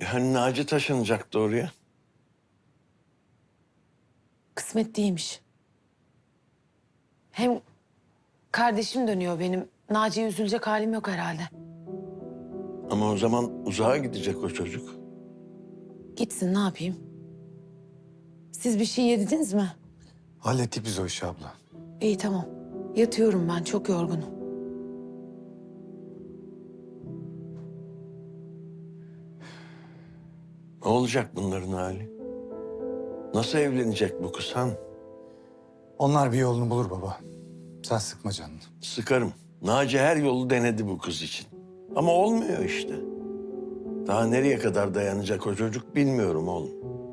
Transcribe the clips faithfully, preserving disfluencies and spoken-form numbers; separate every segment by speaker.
Speaker 1: hani Naci taşınacaktı oraya?
Speaker 2: Kısmet değilmiş. Hem kardeşim dönüyor benim. Naci'ye üzülecek halim yok herhalde.
Speaker 1: Ama o zaman uzağa gidecek o çocuk.
Speaker 2: Gitsin, ne yapayım? Siz bir şey yediniz mi?
Speaker 3: Hallettik biz o işi abla.
Speaker 2: İyi, tamam. Yatıyorum ben, çok yorgunum.
Speaker 1: Ne olacak bunların hali? Nasıl evlenecek bu kız han?
Speaker 3: Onlar bir yolunu bulur baba. Sen sıkma canını.
Speaker 1: Sıkarım. Naci her yolu denedi bu kız için. Ama olmuyor işte. Daha nereye kadar dayanacak o çocuk bilmiyorum oğlum.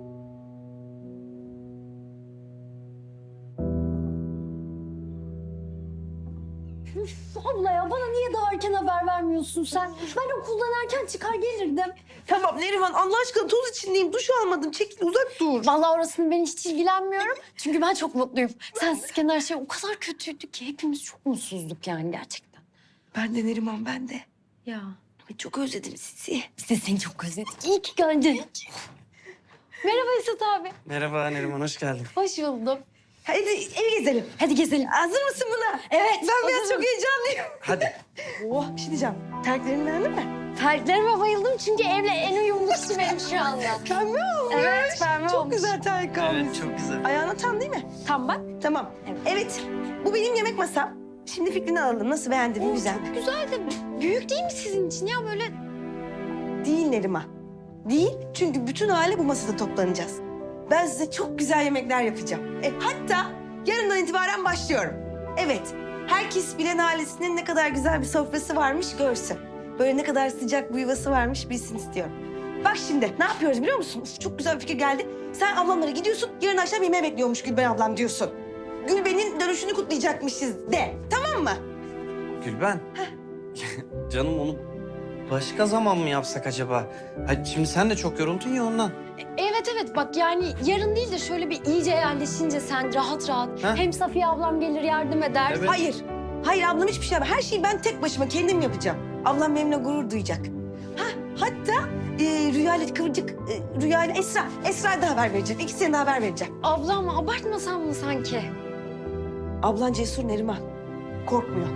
Speaker 4: Abla ya bana niye daha erken haber vermiyorsun sen? Ben okuldan erken çıkar gelirdim.
Speaker 5: Tamam Neriman Allah aşkına toz içindeyim. Duş almadım. Çekil uzak dur.
Speaker 4: Vallahi orasını ben hiç ilgilenmiyorum. Çünkü ben çok mutluyum. Sensizken her şey o kadar kötüydü ki hepimiz çok mutsuzduk yani gerçekten.
Speaker 5: Ben de Neriman ben de.
Speaker 4: Ya
Speaker 5: Ay, çok özledim sizi.
Speaker 4: biz de seni çok özledik. İyi ki geldin. Merhaba Esat abi.
Speaker 6: Merhaba Neriman, hoş geldin.
Speaker 4: Hoş buldum.
Speaker 5: Hadi evi gezelim.
Speaker 4: Hadi gezelim.
Speaker 5: Hazır mısın buna?
Speaker 4: Evet.
Speaker 5: Ben biraz
Speaker 4: hazırım.
Speaker 5: çok heyecanlıyım.
Speaker 6: Hadi.
Speaker 5: Oh bir şey diyeceğim. Terliklerini beğendin mi?
Speaker 4: Terliklerime bayıldım çünkü evle en uyumlusu benim şu anda.
Speaker 5: Pembe olmuş.
Speaker 4: Evet, pembe
Speaker 5: Çok
Speaker 4: olmuş.
Speaker 5: güzel terlik almış.
Speaker 6: Evet, çok güzel.
Speaker 5: Ayağına tam değil mi?
Speaker 4: Tam bak.
Speaker 5: Tamam.
Speaker 4: Evet.
Speaker 5: Evet. Bu benim yemek masam. Şimdi fikrini alalım. Nasıl beğendin mi? Güzel mi?
Speaker 4: Güzel de büyük değil mi sizin için ya böyle?
Speaker 5: Değil Neriman. Değil. Çünkü bütün aile bu masada toplanacağız. Ben size çok güzel yemekler yapacağım. E, hatta yarından itibaren başlıyorum. Evet. Herkes bilen ailesinin ne kadar güzel bir sofrası varmış görsün. Böyle ne kadar sıcak bir yuvası varmış bilsin istiyorum. Bak şimdi ne yapıyoruz biliyor musun? Uf, çok güzel bir fikir geldi. Sen ablamlara gidiyorsun. Yarın akşam yemeğe bekliyormuş Gülben ablam diyorsun. Gülben'in dönüşünü kutlayacakmışız de. Tamam mı?
Speaker 6: Gülben. Canım onu başka zaman mı yapsak acaba? Hadi şimdi sen de çok yoruldun ya ondan.
Speaker 4: Evet evet bak yani yarın değil de şöyle bir iyice yerleşince sen rahat rahat.
Speaker 6: Ha?
Speaker 4: Hem Safiye ablam gelir yardım eder.
Speaker 6: Evet.
Speaker 5: Hayır. Hayır ablam hiçbir şey yapmaz. Her şeyi ben tek başıma kendim yapacağım. Ablam benimle gurur duyacak. Ha, hatta e, Rüya ile Kıvırcık, e, Rüya ile Esra. Esra'ya da haber vereceğim. İkisine de haber vereceğim.
Speaker 4: Ablam abartmasan mı sanki?
Speaker 5: Ablan cesur Neriman. Korkmuyor.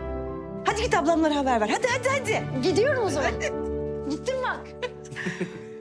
Speaker 5: Hadi git ablamlara haber ver. Hadi hadi hadi.
Speaker 4: Gidiyorum o zaman. Gittim bak.